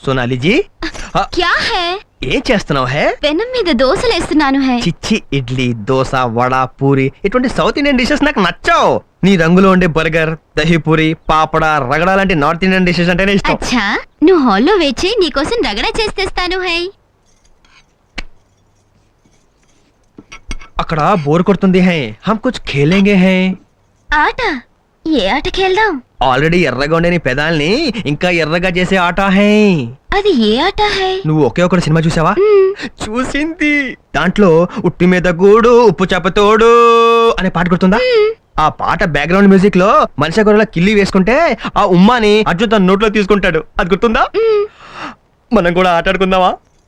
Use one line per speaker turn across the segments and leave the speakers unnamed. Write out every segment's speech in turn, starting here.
Sonali G
क्या है
ఏం చేస్తున్నావు హే
పెనం మీద దోసలేస్తున్నాను హై
చిచ్చి ఇడ్లీ దోశ వడ పూరి ఇటువంటి సౌత్ ఇండియన్ డిషెస్ నాకు నచ్చావు నీ రంగులో ఉండే బర్గర్ దహీపూరి పాపడ రగడ లాంటి నార్త్ ఇండియన్ డిషెస్ అంటేనే ఇష్టం
అచ్చా నువ్వు హాల్లో వేచి నీకోసం రగడ చేస్తేస్తాను హై
అక్కడ బోర్ కొడుతుంది హై హమ్ కుచ్ ఖేలేంగే హై
ఆట ఏ ఆట ఖేల్దాం
ఆల్రెడీ ఎర్రగా ఉండే నీ పెదాల్ని ఇంకా ఎర్రగా చేసే ఆట హై
అది ఏ ఆట హై
నువ్వు ఒకే ఒక సినిమా చూసావా చూసింది దాంట్లో ఉట్టి మీద గూడు ఉప్పు చేపతోడు అనే పాట గుర్తుందా ఆ పాట బ్యాక్గ్రౌండ్ మ్యూజిక్ లో మనిషి గొర్రెల కిల్లి వేసుకుంటే ఆ ఉమ్మాని అర్జున్ తన నోట్లో తీసుకుంటాడు అది గుర్తుందా మనం కూడా ఆటాడుకుందామా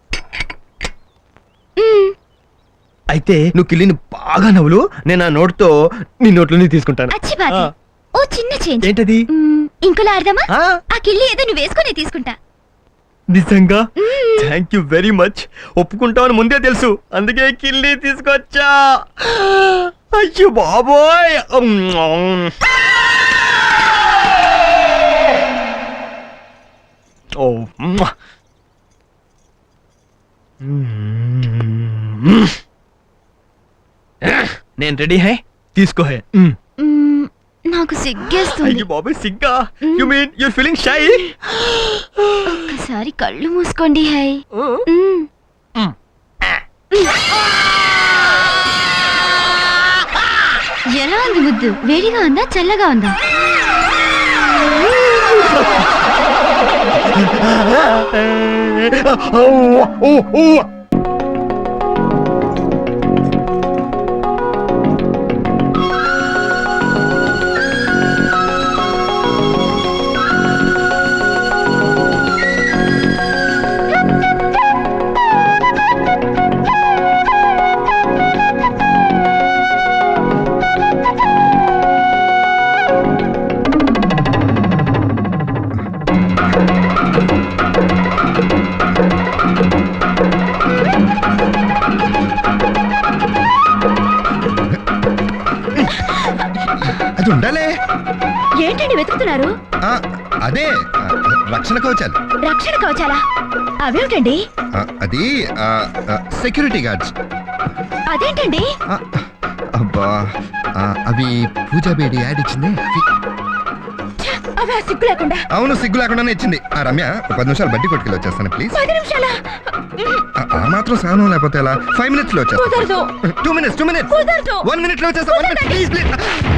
అయితే నువ్వు కిల్లిని బాగా నవ్వులు నేను ఆ నోట్తో నీ నోట్లోని తీసుకుంటాను
అచ్చి బాధ ఓ చిన్న చేంజ్
ఏంటది
ఇంకోలా ఆడదామా
ఆ,
ఆ కిల్లి ఏదో నువ్వు వేసుకొని తీసుకుంటా
నిజంగా థ్యాంక్ యూ వెరీ మచ్ ఒప్పుకుంటావని ముందే తెలుసు అందుకే కిల్లి తీసుకొచ్చా అయ్యో బాబోయ్ ఓ నేను రెడీ హై తీసుకో హై
నాకు సిగ్గేస్తుంది
అయ్యో బాబోయ్ సిగ్గా you mean you feeling shy
ఒక్కసారి కళ్ళు మూసుకోండి హై ఎలా ఉంది ముద్దు వేడిగా ఉందా చల్లగా ఉందా
అది ఉండాలే.
ఏంటండి వెతుకుతున్నారు
ఆ, అదే రక్షణ కవచాలు.
రక్షణ కవచాలా అవేమిటండి
అది సెక్యూరిటీ గార్డ్స్.
అదేంటండి
అబ్బా అవి పూజా బేడి యాడ్ ఇచ్చింది.
అవి ఆ సిగ్గు లేకుండా
అవును సిగ్గు లేకుండానే ఇచ్చింది. రమ్య 10 నిమిషాలు బట్టి కొట్టుకెళ్ళి వచ్చేస్తాను ప్లీజ్.
10 నిమిషాలా
ఆ మాత్రం సహనం లేకపోతే ఎలా? 5 minutes లో
కుదరదు.
వచ్చేస్తాను. 2 minutes
కుదరదు.
1 minute లో వచ్చేస్తా. 1 minute ప్లీజ్ ప్లీజ్.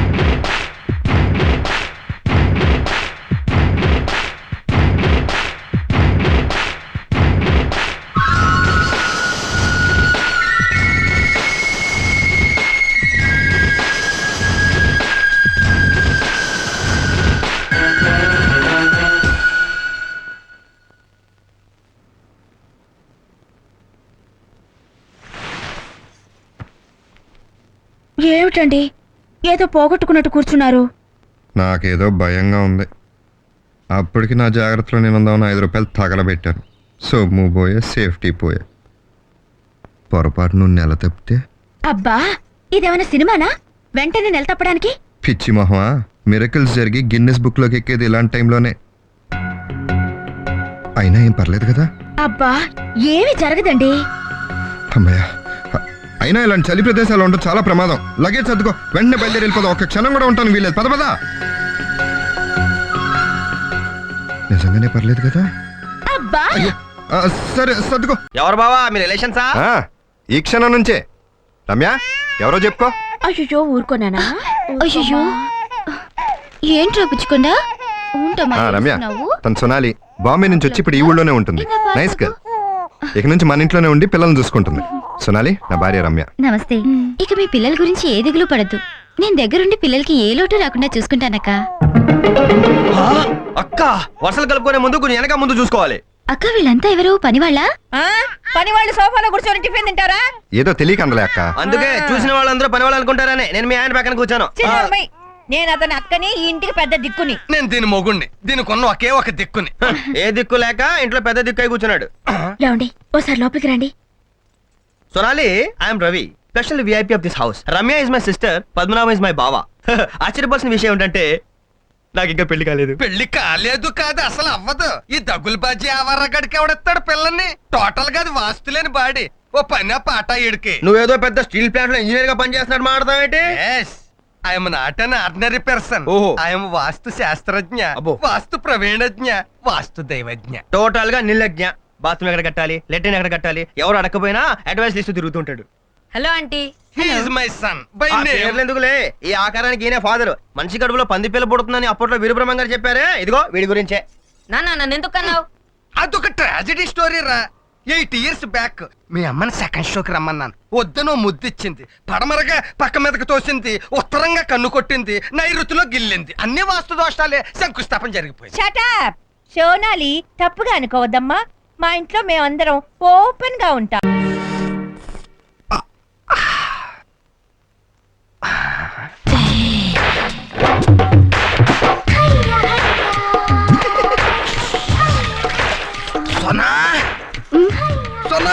ఏమిటండి ఏదో పోగొట్టుకున్నట్టు కూర్చున్నారు
నాకేదో భయంగా ఉంది. అప్పటికి నా జాగ్రత్తలో నేను ఉందామని 5 రూపాయలు తగలబెట్టాను. సొమ్ము పోయే సేఫ్టీ పోయే. పొరపాటు నువ్వు నెల తప్పితే
అబ్బా ఇదేమైనా సినిమానా వెంటనే నెల తప్పడానికి
పిచ్చి మొహమా. మిరకల్స్ జరిగి గిన్నెస్ బుక్ లోకి ఎక్కేది ఇలాంటి టైంలోనే. అయినా ఏం పర్లేదు కదా.
అబ్బా ఏమీ జరగదండి
అమ్మయ్య. అయినా ఇలాంటి చలి ప్రదేశాలు ఉండడం చాలా ప్రమాదం. లగేజ్ సర్దుకో, వెంటనే బయలుదేరి వెళ్ళిపోదాం. ఒక్క క్షణం కూడా ఉంటాను వీలేదు. పద పద. నిజంగానే పర్లేదు కదా.
అబ్బా
అయ్యో, సరే సర్దుకో.
ఎవరు బావా మీ రిలేషన్సా
ఈ క్షణం నుంచే. రమ్య ఎవరో చెప్పుకో.
అయ్యో ఊరుకోనానా అయ్యో ఏంట్రా పుచ్చుకుండా
రమ్య తను సొనాలి. బాంబే నుంచి వచ్చి ఇప్పుడు ఈ ఊళ్ళోనే ఉంటుంది. Nice girl. ఇక నుంచి మన ఇంట్లోనే ఉండి పిల్లల్ని చూసుకుంటుంది. సొనాలి నా భార్య రమ్య.
నమస్తే. ఇక మీ పిల్లల గురించి ఏ దిగులు పడద్దు. నేను దగ్గరుండి పిల్లలకి ఏ లోటు రాకుండా చూసుకుంటానక్క.
అక్క వర్షాలు కలుపుకునే ముందు కొంచెం వెనక ముందు చూసుకోవాలి.
అక్క వీళ్ళంతా ఎవరు పనివాళ్ళ?
పని వాళ్ళు సోఫాలో కూర్చొని టిఫిన్ తింటారా?
ఏదో తెలియక అందలే అక్క.
అందుకే చూసిన వాళ్ళందరూ పని వాళ్ళు అనుకుంటారని నేను మీ ఆయన పక్కన కూర్చాను.
చిన్నమ్మాయి, నేను అతని అక్కని ఈ ఇంటికి పెద్ద దిక్కుని.
నేను దీని మొగుణ్ణి, దీని కొన్న ఒకే ఒక దిక్కుని. ఏ దిక్కు లేక ఇంట్లో పెద్ద దిక్కు అయి కూర్చున్నాడు.
లేవండి ఓసారి లోపలికి రండి.
Sonali I'm Ravi, special VIP of this house. Ramya is my sister, Padmanabham is my బావా. ఆశ్చర్యపోవాల్సిన విషయం ఏంటంటే నాకు ఇంకా పెళ్లి కాలేదు.
పెళ్లి కాలేదు కాదు, అసలు అవ్వదు. ఈ దగులు బాజీ ఆవర్రగడికి ఎవడెత్తాడు పిల్లల్ని? టోటల్ గా అది వాస్తులేని బాడీ. ఓ పని పాట ఈడికి.
నువ్వేదో పెద్ద స్టీల్ ప్లాంట్ లో ఇంజనీర్ గా పనిచేస్తున్నట్టు మాట్లాడతావేంటి?
I'm not an ordinary person.
ఓహో.
ఐఎమ్ వాస్తు శాస్త్రజ్ఞ,
అబ్బో.
వాస్తు ప్రవీణజ్ఞ, వాస్తు దైవజ్ఞ.
టోటల్ గా నిర్లజ్ఞ. బాత్రూమ్ ఎక్కడ కట్టాలి, లెట్రిన్ ఎక్కడ కట్టాలి, ఎవరు అడగకపోయినా అడ్వైస్ ఇస్తూ తిరుగుతుంటాడు.
Hello aunty.
He is my son by
ఆ
name.
పేర్లు ఎందుకులే, ఈ ఆకారానికి ఈయన ఫాదర్. మనిషి కడుపులో పంది పిల్ల పుడుతుందని అప్పట్లో వీరబ్రహ్మం గారు చెప్పారే, ఇదిగో వీడి గురించే.
నాన్న నన్ను ఎందుకు అన్నావు?
అదొక ట్రాజెడీ స్టోరీ రా. 8 years బ్యాక్ మీ అమ్మని సెకండ్ షోకి రమ్మన్నాను. వద్దనో ముద్దిచ్చింది, పడమరగా పక్క మీదకి తోసింది, ఉత్తరంగా కన్ను కొట్టింది, నైరుతిలో గిల్లింది. అన్ని వాస్తు దోషాలే, శంకుస్థాపన జరిగిపోయింది.
షటప్. సోనాలి, తప్పుగా అనుకోవద్దమ్మా. మా ఇంట్లో మేమందరం ఓపెన్ గా ఉంటాం.
సోనా సోనా,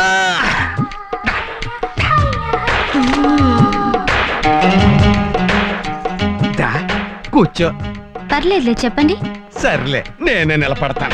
దా కూర్చో.
పర్లేదులే, చెప్పండి.
సర్లే, నేనే నిలబడతాను.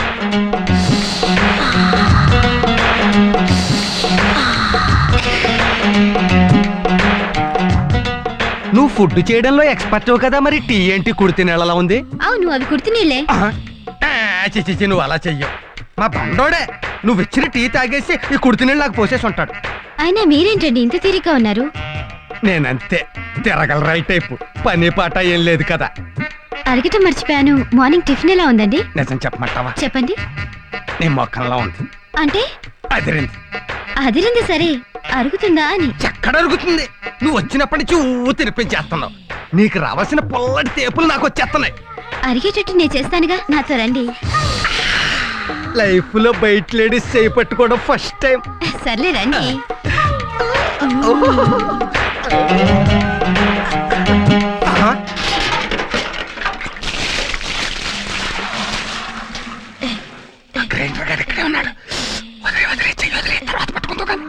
నువ్వు ఫుడ్ చేయడంలో ఎక్స్పర్ట్ కదా, మరి టీ ఏంటి కుడితి నెలలా ఉంది?
అవును, అవి కుర్తి నీళ్ళే.
చిచి, నువ్వు అలా చెయ్యవు. మా బండోడే నువ్వు ఇచ్చిన టీ తాగేసి ఈ కుడితి నీళ్ళు నాకు పోసేసి ఉంటాడు.
అయినా మీరేంటండి ఇంత తీరిగ్గా ఉన్నారు?
నేనంతే, తిరగల రైట్ టైపు. పని పాట ఏం లేదు కదా.
అడగటం మర్చిపోయాను, మార్నింగ్ టిఫిన్ ఎలా ఉందండి?
నిజం చెప్పమంటావా?
చెప్పండి.
నీ మొక్కల్లో ఉంది.
అంటే
అదిరింది.
అదిరింది సరే, అరుగుతుందా అని.
ఎక్కడ అరుగుతుంది? నువ్వు వచ్చినప్పటి నుంచి తినిపించేస్తున్నావు. నీకు రావాల్సిన పొల్లటి తేపులు నాకు వచ్చేస్తున్నాయి.
అరిగేటట్టు నేను చేస్తానుగా, నాతో రండి.
లైఫ్ లో బయట లేడీస్ చేయి పట్టుకోవడం ఫస్ట్ టైం.
సర్లే రండి.
ఇక్కడే ఉన్నాడు. తర్వాత పట్టుకుంటూ కానీ.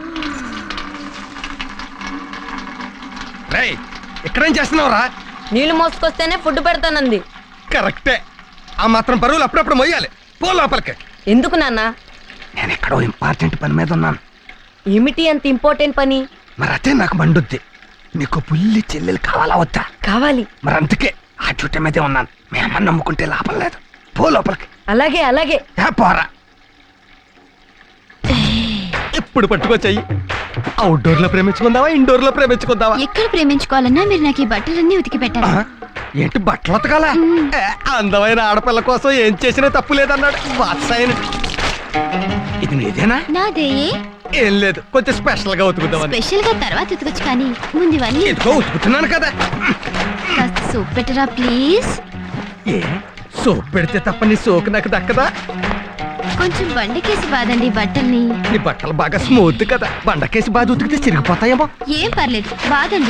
రేయ్, ఇక్కడేం చేస్తున్నావురా?
నీళ్లు మోసుకొస్తేనే ఫుడ్ పెడతానంది.
కరెక్టే. ఆ మాత్రం బరువులు అప్పుడప్పుడు మొయ్యాలి. పో లోపలికి.
ఎందుకు నాన్న?
నేను ఎక్కడో ఇంపార్టెంట్ పని మీద ఉన్నాను.
ఏమిటి అంత ఇంపార్టెంట్ పని?
మరి అదే నాకు మండుద్ది. నీకు పుల్లి చెల్లెలు కావాలా వద్దా?
కావాలి.
మరి అందుకే ఆ చుట్ట మీదే ఉన్నాను. మీ అమ్మని నమ్ముకుంటే లాభం లేదు. పో లోపలికి.
అలాగే అలాగే.
పోరా. ఇప్పుడు పట్టుకొచ్చాయి. అవుట్డోర్ లో ప్రేమించుకుందావా, ఇండోర్ లో ప్రేమించుకుందావా?
ఎక్కడ ప్రేమించుకోవాలన్నా మీరు నాకు ఈ బట్టలన్నీ ఉతికి పెట్టాలి.
ఏంటి బట్టలు ఉతకాలా? అందమైన ఆడపిల్ల కోసం ఏం చేసినా తప్పు లేదన్నాడు వాత్సాయన. ఇది నీదేనా?
నాదే.
ఏం లేదు, కొంచెం స్పెషల్ గా ఉతుకుతామని.
స్పెషల్ గా తర్వాత ఉతకొచ్చు, కానీ ముందు ఇవన్నీ
ఎందుకో ఉతుకుతున్నాను కదా.
కాస్త సూప్ పెట్టరా ప్లీజ్.
ఏ సోప్ పెడితే తప్ప నీ సోకు నాకు దక్కదా?
కొంచెం బండకేసి బాదండి బట్టల్ని.
నీ బట్టలు బాగా స్మూత్ కదా, బండకేసి బాగా ఉతికితే చిరిగిపోతాయేమో.
ఏం పర్లేదు, బాదండి.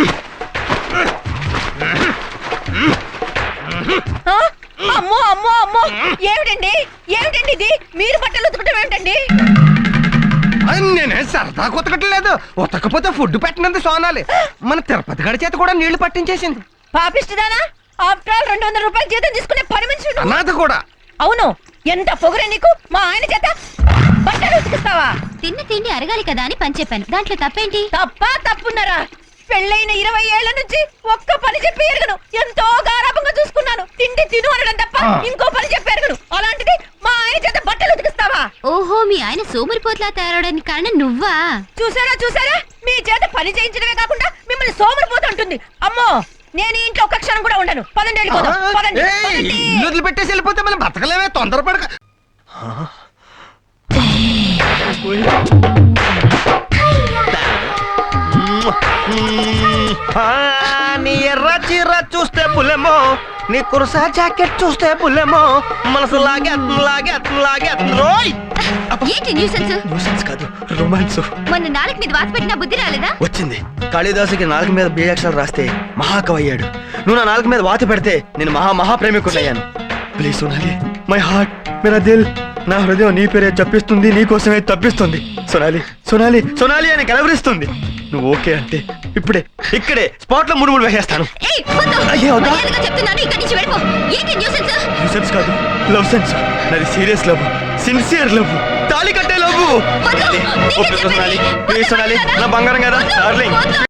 అమ్మో అమ్మో అమ్మో, ఏమిటండి ఏమిటండి ఇది? మీరు బట్టలు ఉతకటం ఏమిటండి?
నేనే సరదాగా ఉతకట్లేదు. ఉతకపోతే ఫుడ్ పెట్టినందుకు సోనాలి. మన తిరుపతి గడి చేత కూడా నీళ్లు పట్టించేసింది.
పాపిస్తుందానా? ఆఫ్టర్ ఆల్ 200 రూపాయలు జీతం తీసుకునే పని మనిషి నువ్వు.
అనాథ కూడా.
అవును, ఎంత పొగరే నీకు. మా ఆయన చేత బట్టలు ఉతికిస్తావా?
తిన్న తిండి అరగాలి కదా అని పని చెప్పాను, దాంట్లో తప్పేంటి?
తప్పా తప్పున్నారా? పెళ్ళైన 20 ఏళ్ల నుంచి ఒక్క పని చెప్పి ఎరగను. ఎంతో గారాభంగా చూసుకున్నాను. తిండి తిను అనడం తప్ప ఇంకో పని చెప్పి ఎరగను. అలాంటిది మా ఆయన చేత బట్టలు ఉతికిస్తావా?
ఓహో, మీ ఆయన సోమరిపోట్లా తయారవడానికి కారణం నువ్వా?
చూసారా చూసారా, మీ చేత పని చేయించడమే కాకుండా మిమ్మల్ని సోమరిపోతూ ఉంటుంది. అమ్మో, నేను ఈ ఇంట్లో ఒక్క క్షణం కూడా ఉండను. పదండి వెళ్ళిపోదాం. పదండి, పదండి.
ఇల్లు వదిలిపెట్టేసి వెళ్ళిపోతే మనం బతకలేమే. తొందరపడక.
నీ ఎర్ర చీర చూస్తే పులెమో, నీ కుర్సా జాకెట్ చూస్తే పులెమో, మనసు లాగేరోయ్.
ఏంటి న్యూసెన్స్?
కాదు, రొమాన్స్.
మొన్న నాలుగు మీద వాత పెట్టిన బుద్ధి రాలేదా?
వచ్చింది. కాళిదాసుకి నాలుగు మీద బీజాక్షరాలు రాస్తే మహాకవి అయ్యాడు. నువ్వు నా నాలుగు మీద వాత పెడితే నేను మహాప్రేమికుడయ్యాను. ప్లీజ్ సోనాలి, మై హార్ట్, మేరా దిల్, నా హృదయం నీ పేరే చెప్పిస్తుంది, నీ కోసమే తప్పిస్తుంది. సోనాలి సోనాలి సోనాలి అని కలవరిస్తుంది. నువ్వు ఓకే అంటే ఇప్పుడే ఇక్కడే స్పాట్ లో 3 వేసేస్తాను.
ఏయ్, వద్దు.
అయ్యే, వద్దా?
మర్యాదగా చెప్తున్నాను, ఇక్కడి నుంచి వెళ్ళిపో. ఏంటి న్యూసెన్స్?
సెన్స్ కాదు, లవ్ సెన్స్. నాది సీరియస్ లవ్, సిన్సియర్ లవ్, తాళి కట్టే లవ్.
వద్దు. నీకే చెప్పేది.
ప్లీజ్ సోనాలి, నా బంగారం కదా డార్లింగ్.
వద్దు.